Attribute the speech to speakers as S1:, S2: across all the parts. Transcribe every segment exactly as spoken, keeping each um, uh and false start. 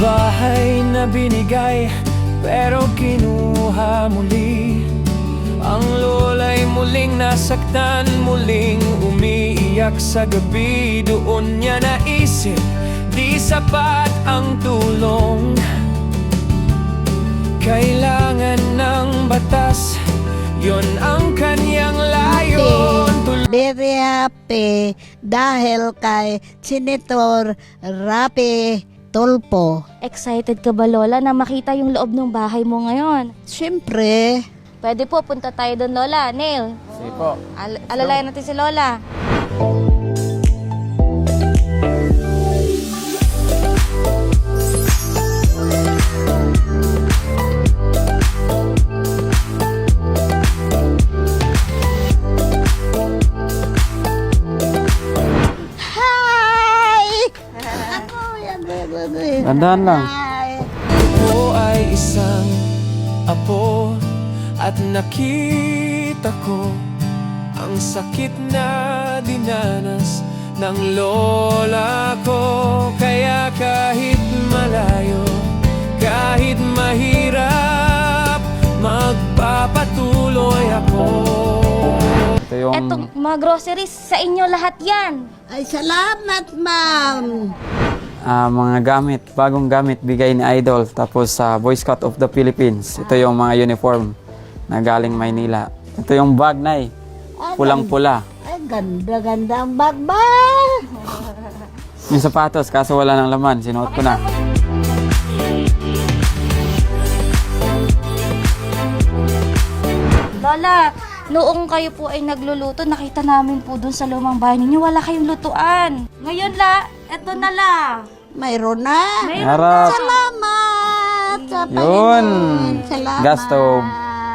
S1: Bahay na binigay pero kinuha muli. Ang lola'y muling nasaktan, muling umiiyak sa gabi. Doon niya naisip, di sapat ang tulong. Kailangan ng batas, yon ang kanyang layon.
S2: Very happy dahil kay Senator Rapi Tulfo.
S3: Excited ka ba, Lola, na makita yung loob ng bahay mo ngayon?
S2: Siyempre,
S3: Pwede po, punta tayo doon, Lola. Neil,
S4: Sige po.
S3: al alalayan natin si Lola.
S2: hi! Ano yan?
S4: Tandaan lang.
S2: Hi!
S1: Ako ay isang apo at nakita ko ang sakit na dinanas ng lola ko. Kaya kahit malayo, kahit mahirap, magpapatuloy ako.
S4: Ito yung
S3: Etong mga groceries, sa inyo lahat yan.
S2: Ay, salamat, ma'am.
S4: ah, mga gamit, bagong gamit bigay ni Idol. Tapos sa Boy Scout of the Philippines. Ito yung mga uniform na galing Maynila. Ito yung bag, Nay. Pulang-pula.
S2: Ay, ganda-ganda ang bag ba?
S4: Yung sapatos, kaso wala ng laman. Sinuot ko na.
S3: Lola, noong kayo po ay nagluluto, nakita namin po dun sa lumang bahay ninyo, wala kayong lutuan. Ngayon la, eto na la.
S2: Mayroon na.
S3: Mayroon
S4: Harap.
S2: Salamat sa
S4: Yun.
S2: Panginoon. Salamat.
S4: Gas stove.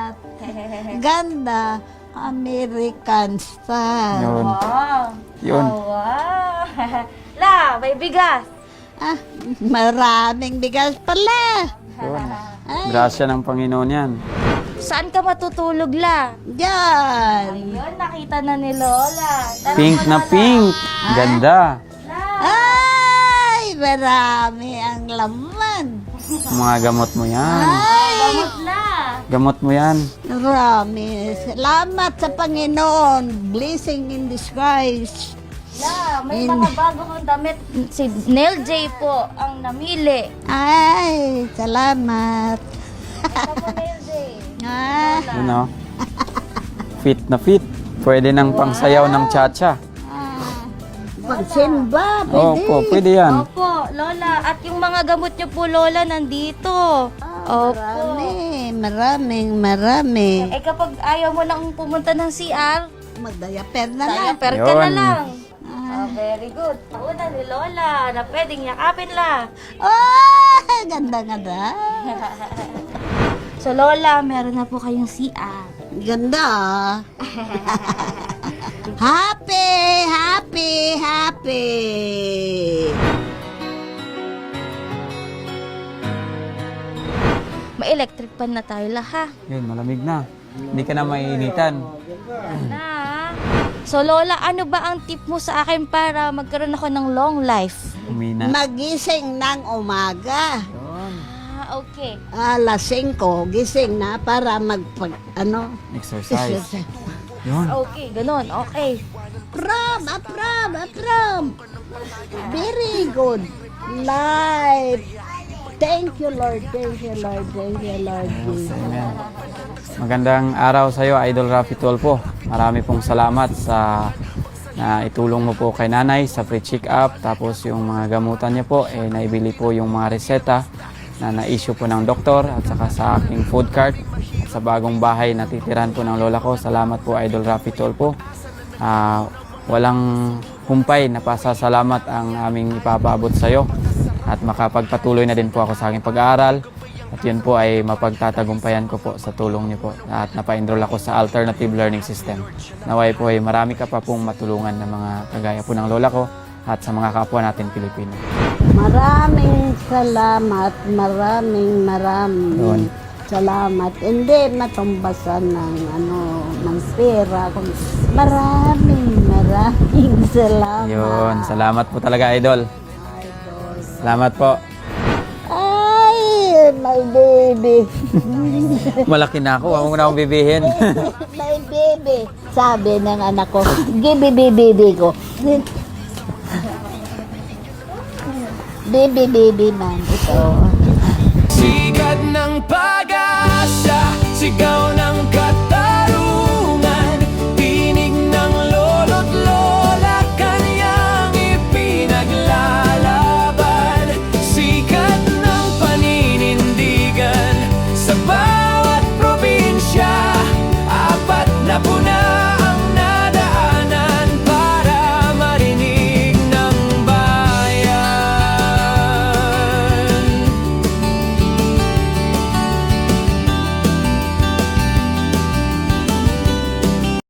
S2: Ganda. American style.
S4: Yun.
S3: Wow.
S4: Yun.
S3: Oh, wow. La, may bigas.
S2: Ah, maraming bigas pala.
S4: Yun. Grasya ng Panginoon yan.
S3: Saan ka matutulog, la?
S2: Diyan.
S3: Ayun, nakita na ni Lola. Tara
S4: Pink
S3: po,
S4: na
S3: Lola.
S4: pink. Ganda.
S3: La.
S2: Ay, marami ang laman.
S4: Mga gamot mo yan.
S2: Ay,
S3: Gamot la.
S4: Gamot mo yan.
S2: marami. Salamat sa Panginoon. Blessing in disguise.
S3: La, may
S2: In-
S3: mga bago kang damit. Si Neil J po ang namili.
S2: Ay, salamat.
S3: Ito po, Neil J.
S2: Ah,
S4: Yun o. Fit na fit. Pwede ng pangsayaw ng cha-cha.
S2: pagsimba, pwede.
S4: Opo, pwede yan.
S3: Opo, Lola. At yung mga gamot niyo po, Lola, nandito.
S2: Ah, marami, maraming, marami.
S3: Eh kapag ayaw mo lang pumunta ng C R,
S2: Magdayaper na lang.
S3: diaper ka na
S4: Yun.
S3: lang. Ah, very good. Una ni Lola na pwedeng yakapin la.
S2: Oh, ganda nga da.
S3: So Lola, meron na po kayong C R.
S2: Ganda. ah. Happy, happy, happy.
S3: May electric pan na tayo la ha.
S4: Yun, malamig na. Hindi ka na maiinitan.
S3: Na. So Lola, ano ba ang tip mo sa akin para magkaroon ako ng long life?
S4: Umina.
S2: Magising ng umaga.
S4: Yun.
S3: Ah, okay.
S2: Alas singko, gising na para magpag, ano,
S4: Exercise. Yun.
S3: Okay, ganun. Okay.
S2: Prom, aprom, aprom. Very good. Life. Thank you, Lord. Thank you, Lord. Thank you, Lord.
S4: Amen. Magandang araw sa iyo, Idol Rapi Tulfo. Marami pong salamat sa na itulong mo po kay nanay sa free check-up. Tapos yung mga gamutan niya po, eh, naibili po yung mga reseta na na-issue po ng doktor at saka sa aking food cart at sa bagong bahay na titiran po ng lola ko. Salamat po, Idol Rapi Tulfo. Ah, walang humpay na pasasalamat ang aming ipapaabot sa iyo at makapagpatuloy na din po ako sa aking pag-aaral. At yun po ay mapagtatagumpayan ko po sa tulong niyo po. At napa-enroll ako sa Alternative Learning System. Naway po ay marami ka pa pong matulungan ng mga kagaya po ng lola ko at sa mga kapwa natin Pilipino.
S2: Maraming salamat. Maraming, maraming
S4: Yun.
S2: salamat. Hindi matumbasan ng, ano, ng pera. Maraming, maraming salamat.
S4: Yun, salamat po talaga, Idol. Salamat po.
S2: Ay, my baby.
S4: Malaki na ako, huwag mo na akong bibihin.
S2: My baby. Sabi ng anak ko, give baby baby ko. Baby baby man ito.
S1: Sikat ng pag-asa, sigaw